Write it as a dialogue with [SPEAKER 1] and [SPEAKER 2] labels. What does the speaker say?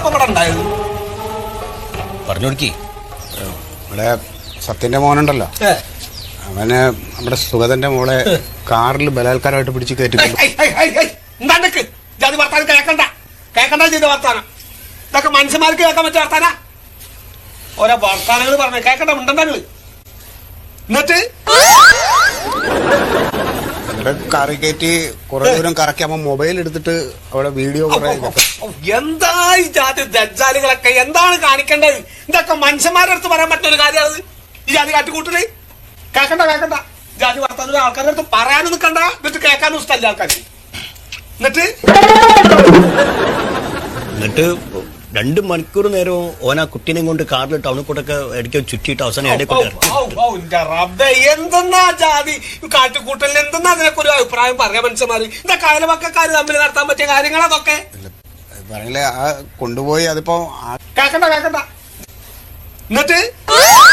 [SPEAKER 1] അപ്പൊ ഇവിടെ ഉണ്ടായത്
[SPEAKER 2] പറഞ്ഞു കൊടുക്കി.
[SPEAKER 3] ഇവിടെ സത്യന്റെ മോനുണ്ടല്ലോ, അവന് നമ്മുടെ സുഗതന്റെ മോളെ കാറിൽ ബലാത്കാരമായിട്ട് പിടിച്ച് കയറ്റിട്ടുണ്ട്.
[SPEAKER 1] എന്താണ്ടക്ക് ജാതി വർത്താനം കേൾക്കണ്ട ചെയ്ത വർത്താനം. ഇതൊക്കെ മനുഷ്യന്മാർക്ക് കേൾക്കാൻ പറ്റിയ വർത്താനാ. ഓരോ വർത്താനങ്ങൾ പറഞ്ഞ കേൾക്കണ്ട ഉണ്ടെങ്കിൽ എന്നിട്ട്
[SPEAKER 3] കാറി കയറ്റി കുറെ ദൂരം കറക്കി മൊബൈൽ എടുത്തിട്ട് അവിടെ വീഡിയോ
[SPEAKER 1] എന്താ ഈ ജാതി ദജ്ജാലുകളൊക്കെ എന്താണ് കാണിക്കേണ്ടത്? ഇതൊക്കെ മനുഷ്യന്മാരുടെ അടുത്ത് പറയാൻ പറ്റുന്ന ഒരു കാര്യമാണ് ഈ ജാതി കാട്ടിക്കൂട്ടല്. കേൾക്കണ്ട ജാതി വർത്താനം ആൾക്കാരുടെ അടുത്ത് പറയാനും നിൽക്കണ്ട, എന്നിട്ട് കേൾക്കാനും ഇഷ്ടമല്ല ആൾക്കാർ.
[SPEAKER 2] എന്നിട്ട് 2 മണിക്കൂർ നേരവും ഓനാ കുട്ടീനെ കൊണ്ട് കാറിൽ ടൗണിൽ കൂട്ടൊക്കെ ഇടയ്ക്ക് ചുറ്റിയിട്ട് അവസാനം
[SPEAKER 1] എന്തെന്നാ ജാതി കാട്ടിക്കൂട്ടലിന് എന്തെന്നാ അതിനൊക്കെ ഒരു അഭിപ്രായം പറയാ മനുഷ്യന്മാര്? ഇതൊക്കെ അയൽവക്കക്കാര് തമ്മിൽ നടത്താൻ പറ്റിയ കാര്യങ്ങൾ അതൊക്കെ
[SPEAKER 3] പറയില്ലേ. കൊണ്ടുപോയി അതിപ്പോ
[SPEAKER 1] കേൾക്കണ്ട എന്നിട്ട്